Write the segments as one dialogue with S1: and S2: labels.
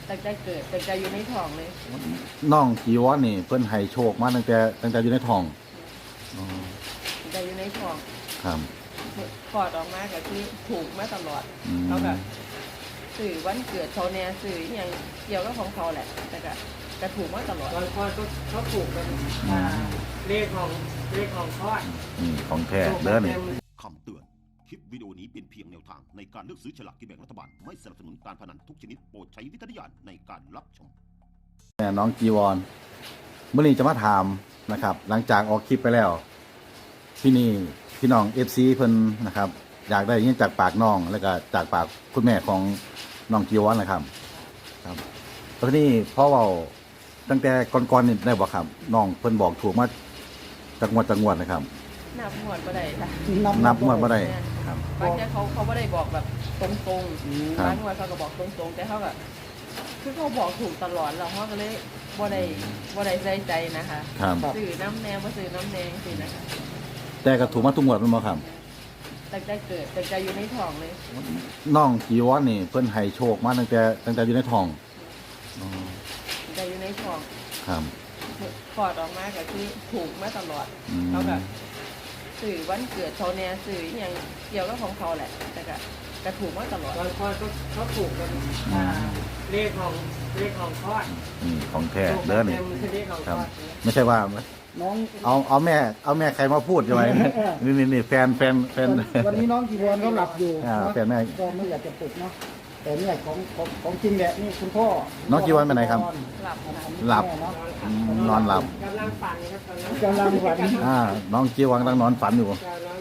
S1: แต่เกิดแต่อยู่ในท้องเลย
S2: น้องจีวรนี่เพิ่นให้โชคมาตั้งแต่อยู่ในท้องอ๋อ
S1: แต่อยู่ในท้อง
S2: ครับ
S1: คลอดออกมาก็คือถูกมาตลอดเขาก็สื่อวันเกิดเขาเนี่ยสื่ออย่างเกี่ยวกับของเขาแหละแต่ก็ถูกมาตลอด
S3: ตอนคลอดก็เขาถูกกันเลขของคลอด
S2: ของแท้เด้อนี่
S4: คำเตือนคลิปวิดีโอนี้เป็นเพียงแนวทางในการเลือกซื้อฉลากกินแบ่งรัฐบาลไม่สนับสนุนการพนันทุกชนิดโปรดใช้วิจารณญาณในการรับชม
S2: น้องจีวรเมื่อนี้จะมาถามนะครับหลังจากออกคลิปไปแล้วพี่น้อง FC เพิ่นนะครับอยากได้ยินจากปากน้องแล้วก็จากปากคุณแม่ของน้องจีวรนะครับครับแล้วนี่พ่อเว้าตั้งแต่ก่อนๆนี่ได้บ่ครับน้องเพิ่นบอกถูกมาจังหวัดนะครับ
S1: นับหมวดบ่ได้ค่ะ
S2: นับหมวดบ่ได้ครับ
S1: บางทีเขาบ่ได้บอกแบบตรงๆบางวันเขาก็บอกตรงๆแต่เขาก็คือเขาบอกถูกตลอดแล้วเขาก็เลยบ่ได้ใส่ใจนะคะสื่อน้ำแนงบ่สื่อน้ำแนงสินะคะ
S2: แต่ก็ถูกมาทุกหมวดแม่นบ่ครับ
S1: แต่เกิดแต่อยู่ในท้องเลย
S2: น้องจีวรนี่เพิ่นให้โชคมาตั้งแต่อยู่ในท้อง
S1: แต่อยู่ในท้อง
S2: ครับ
S1: คลอดออกมาก็คือถูกมาตลอดเขาก็สื่อวันเกิดเขาเนี่ยสื่ออย่างเกี่ยวกับของเขาแหละแต่ก็ถูกมาตลอด
S3: ตอนคลอดก็เขาถูกกันเลขของคลอด
S2: ของแท้เด้อนี่ครับไม่ใช่ว่า
S5: น้อง
S2: เอาแม่ใครมาพูดใช่ไหมนี่แฟน
S5: วันนี้น้องจีวรเขาหลับอยู่
S2: แฟนแม่
S5: ก็ไม่อยากจะปลุกเนาะแต่เนี่ยของจริงแหละนี่คุณพ่อ
S2: น้องจีวรไปไหนครับหลับนอนหลับ
S3: กำลังฝันครับ
S5: กำลังฝัน
S2: น้องจีวรกำลังนอนฝันอยู่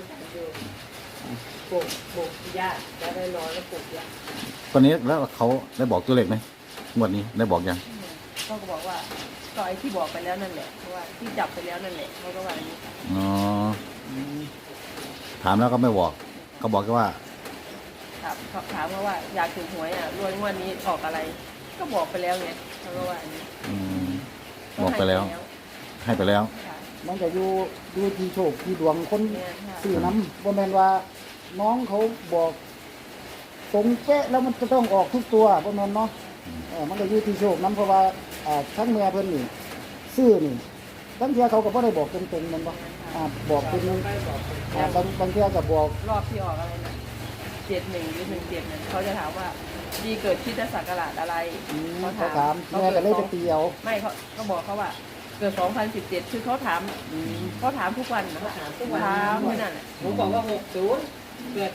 S3: ปลุกญาติจะได้นอนแล้วปลุกญาติ
S2: ตอนนี้แล้วเขาได้บอกตัวเลขไหมงวดนี้ได้บอกยัง
S1: ก็บอกว่าก็ไอ้ที่บอกไปแล้วนั่นแหละเพราะว่าที่จับไปแล้วนั่นแหละเขาก็ว่าอย่างนี้
S2: อ๋อถามแล้วก็ไม่บอกเขาบอกแค่ว่า
S1: ถามว่าอยากถูกหวยรวยงวดนี้ออกอะไรก็บอกไปแล้วไงเขาก็ว่าอย่างนี้
S2: บอกไปแล้วให้ไปแล้ว
S5: มันจะดูที่โชคที่ดวงคนสื่อน้ำบ่แม่นว่าน้องเขาบอกตรงเป๊ะแล้วมันจะต้องออกทุกตัวบ่แม่นเนาะมันก็อยู่ที่โชคน้ำเพราะว่าทั้งเมียเพิ่นนี่ซื้อนี่บางเทีเขาก็บ่ได้บอกตรงๆมันบ่บอกเป็นบางเทีก็บอก
S1: รอบที่ออกอะไรนะ71หรือ17นั่นเขาจะถามว่าดีเกิดคริสตศักราชอะไร
S5: เขาถามแม่ก็เลยไปเตียว
S1: ไม่เขาบอกเขาว่าเกิด2017คือเขาถามทุกวัน
S3: เขาถามทุกวัน
S1: ที่นั่น
S3: ผมบอกว่า60เกิด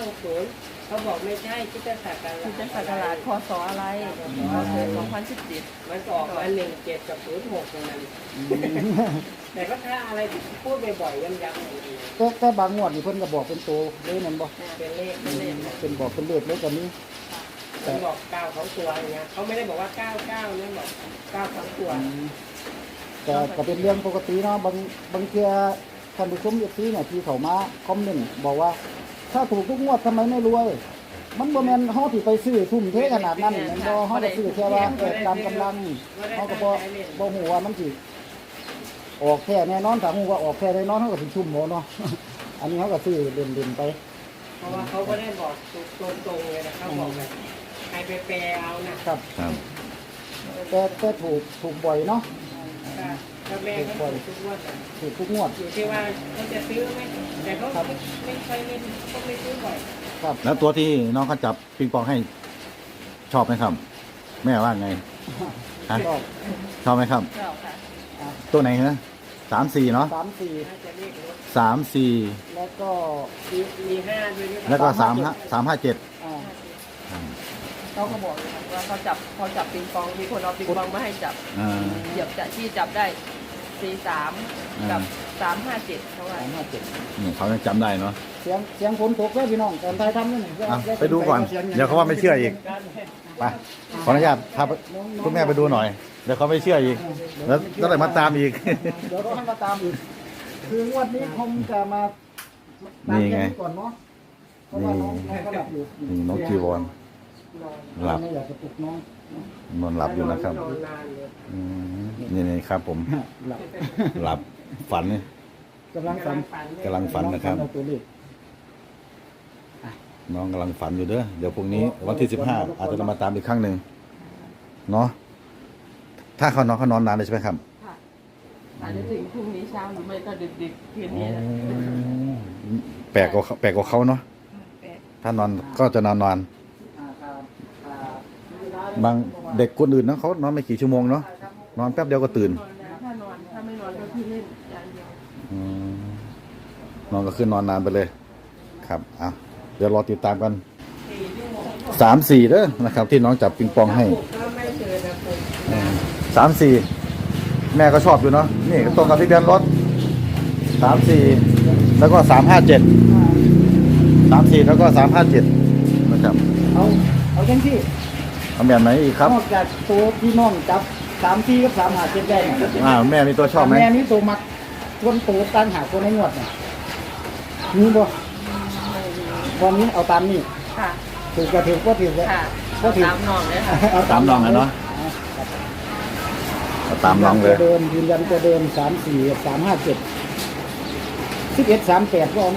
S3: 2560เขาบอกไม่ใช่คริสตศักราช
S1: พศอะไรเราเกิด2017
S3: มันออกมา17กับ06นั่นแต่ก็ถ้าอะไรพูดบ่อยๆย้ำ
S5: ๆแต่บางงวดนี่เพิ่นก็บอกเป็นตัวเลยนั่นบ่
S3: เป็นเลข
S5: เป็นบอกเป็นเลขเลยกันนี้
S3: แต่บอก9ของตัวอย่างเงี้ยเขาไม่ได้บอกว่า99เนี่ยบอก9ของตัว
S5: แต่ก็เป็นเรื่องปกติเนาะบางเทีท่านผู้ชมที่เนี่ยที่เขามาคอมเมนต์บอกว่าถ้าถูกทุกงวดทำไมไม่รวยมันบ่แม่นเฮาสิไปซื้อทุ่มเทขนาดนั้นมันบ่เฮาก็ซื้อแค่ว่าตามกำลังเฮาก็บ่ฮู้ว่ามันสิออกแค่แน่นอนถ้าฮู้ว่าออกแค่แน่นอนเฮาก็สิชุ่มบ่เนาะอันนี้เฮาก็ซื้อเล่นๆไป
S3: เพราะว่าเขาก็ได้บอกตรงๆเลยนะเขาบอกแบบใครไปแปลเอานะครับ
S5: แต่ถูกบ่อยเนาะ
S3: ก็แม่ก็
S5: ถูกทุกงวด
S3: อยู่ที่ว่าเขาจะซื้อไหมแต่เขาไม่ค่อยเล่นเขาไม่ซื้อบ่อย
S2: ครับแล้วตัวที่น้องเขาจับปิงปองให้ชอบไหมครับแม่ว่าไงชอบไหมครับ
S1: ชอบค่ะ
S2: ตัวไหนนะ34เนาะ34
S5: แล้วก็
S3: มี5ด้วย
S2: แล้วก็357
S1: เขาบอกว่าเขาจับปิงปองมีคนเอาปิงปองมาให้จับเหยียบที่จับได้43กับ357เขาว่า
S2: เขาจำได้เนาะ
S5: เสียงฝนตกแล้วพี่น้องตอนท้ายทำนี่
S2: ไปดูก่อนเดี๋ยวเขาว่าไม่เชื่ออีกไปขออนุญาตพาคุณแม่ไปดูหน่อยเดี๋ยวเขาไม่เชื่ออีกแล้วก็เลยมาตามอีก
S5: เดี๋ยวเขาให้มาตามอีกคืองวดนี้คงจะมา
S2: นี่ไง
S5: ก่อนเนาะเพราะว่าน้องก็หลับอยู่
S2: นี่น้องจีวรหลับ
S5: ไม่อยากจะปลุกน้อง
S2: นอนหลับอยู่นะครับนี่ครับผมหลับฝัน
S5: กำลัง
S2: ฝันนะครับน้องกำลังฝันอยู่เด้อเดี๋ยวพรุ่งนี้วันที่15อาจจะมาตามอีกครั้งหนึ่งเนาะถ้าเขานอนนานเลยใช่ไหมครับ
S1: ค่ะอาจจะถึงพรุ่งนี้เช้าหรือไม่ก็ดึกๆคืนนี้นะ
S2: แปลกกว่าเขาเนาะ
S1: แปด
S2: ถ้านอนก็จะนอนบางเด็กคนอื่นนะเขานอนไม่กี่ชั่วโมงเนาะนอนแป๊บเดียวก็ตื่น
S1: ถ้าไม่นอนก็คือเล่นอย่างเดียว
S2: อืมนอนก็คือนอนนานไปเลย ครับอ่ะเดี๋ยวรอติดตามกัน3-4เด้อนะครับ ที่น้องจับปิงปองให้
S3: ก็ไม่เจอนะผม
S2: 3-4 แม่ก็ชอบอยู่เนาะนี่ก็ตรงกับทะเบียนรถ3-4แล้วก็3-5-7 3-4แล้วก็3-5-7นะครับ
S5: เอาจังที่
S2: เอาแบบไหนอีกครับ
S5: นอกจากตัวที่น้องจับ3-4กับ3-5-7ได้เนี่ย
S2: แม่มีตัวชอบไหม
S5: แม่นี่ตัวมักส่วนตัวตั้งหาตัวในงวดเนี่ยมีบ่วันนี้เอาตามนี่
S1: ค่ะ
S5: ถือก็ถือว่าถือเลย
S1: ค่ะ
S5: ก็ถือ
S1: ตามนอนเลยค่ะ
S2: เอาตามน้องเลยเนาะเอาตามน้องเลย
S5: เดิมยืนยันตัวเดิม3-4 3-5-7 11-3-8ก็เอา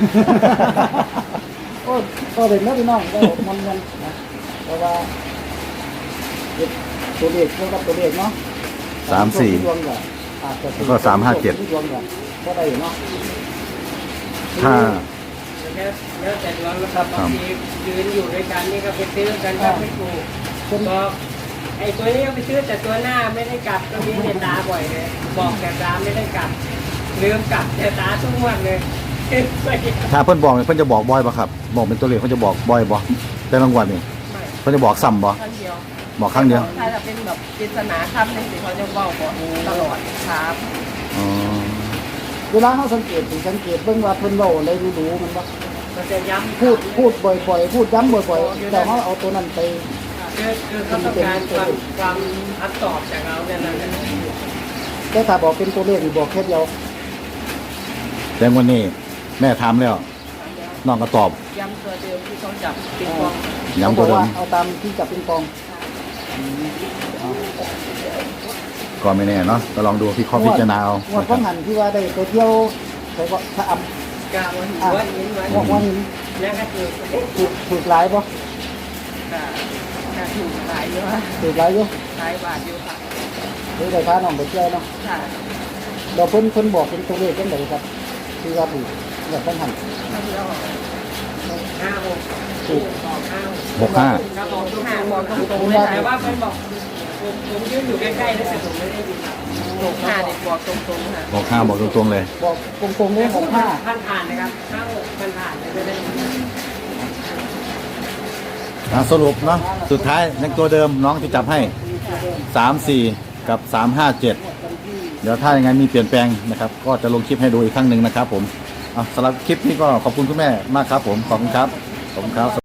S5: ก็เลยนะพี่น้องก็มันนะเพราะว่าตัวเลขเท่ากับตัวเลขเนาะ
S2: 3-4
S5: ดวงก็อาจจะ
S2: แล้วก็3-5-7
S5: ดวงก็ได้เนาะ
S2: ถ้า
S3: แล้วแต่ดวงนะครับบางทียืนอยู่ด้วยกันนี่ก็ไปซื้อกันก็ไม่ถูกก็ไอ้ตัวนี้ก็ไปซื้อแต่ตัวหน้าไม่ได้กลับก็มีเนี่ยตาบ่อยเลยบอกแต่ตาไม่ได้กลับลืมกลับแต่ตาทุกวันเลย
S2: ถ้าเพิ่นบอกเนี่ยเพิ่นจะบอกบ่อยป่ะครับ บอกเป็นตัวเลขเพิ่นจะบอกบ่อยบ่แต่รางวัลนี่
S1: ไม่
S2: เพิ่นจะบอกซ้ำบ่
S1: ครั้งเดียว
S2: บอกครั้งเดียว
S1: ถ้าจะเป็นแบบปริศนาคำในสิ่งเขาจะเว้าบอกตลอดครับ
S2: อ๋อ
S5: เวลาเขาสังเกตเบิ่งว่าเพิ่นเว้าอะไรรู้ๆมันบ่
S3: มันจะย้ำ
S5: พูดบ่อยๆพูดย้ำบ่อยๆแต่เขาเอาตัวนั้นไป
S3: คือเขาต้องการความอัดตอบจากเราเนี่ยนั่นแหละ
S5: แต่ถ้าบอกเป็นตัวเลขนี่บอกแค่เดียว
S2: แต่วันนี้แม่ถามแล้วน้องก็ตอบ
S1: ย้ำตัวเดิมที่เขาจับปิงปอง
S2: ย้ำตัวเดิม
S5: เอาตามที่จับปิงปอง
S2: ก็ไม่แน่เนาะก็ลองดูพี่ข้อพิจารณาเอา
S5: งวดข้างหันที่ว่าได้ไปเที่ยวไปก็ถ้าอำ
S3: กาวันวันนี้วัน
S5: งวดว่าหิน
S3: แล้วก็คือ
S5: ถูกหลายบ่
S1: ก็ถูกหลายเยอะ
S5: ถูกหลายอยู่
S1: หลายบาทอยู่ค่ะ
S5: หรือได้พาน้องไปเที่ยวเนาะ
S1: ค่ะ
S5: เราเพิ่นบอกเป็นตัวเลขจังไดครับที่ว่าถูกงวดข้างหัน
S1: ถ้าเที่ยว
S3: 5-6
S5: ถูก
S2: 65
S3: ครับผมทุก
S1: ห้า
S3: ห้า
S1: บอกตรงๆ
S5: ผม
S1: เลย
S5: ว่า
S3: แต่
S1: ค่ะ
S3: ว่าเป็นบอกผมยืนอยู่ใกล้ๆแล้วแต่ผมไม่ได้ยินครับ
S1: ถูกห้าเด็กบอกตรงๆค่ะ
S2: บอก5บอกตรงๆเลย
S5: บอกตรงๆเลย65
S3: ผ่านนะครับผ่านเลยไม่ได้
S2: สรุปเนาะสุดท้ายในตัวเดิมน้องที่จับให้ 3-4 กับ 3-5-7 เดี๋ยวถ้ายังไงมีเปลี่ยนแปลงนะครับ ก็จะลงคลิปให้ดูอีกครั้งหนึ่งนะครับผมสำหรับคลิปนี้ก็ขอบคุณคุณแม่มากครับผมขอบคุณครับ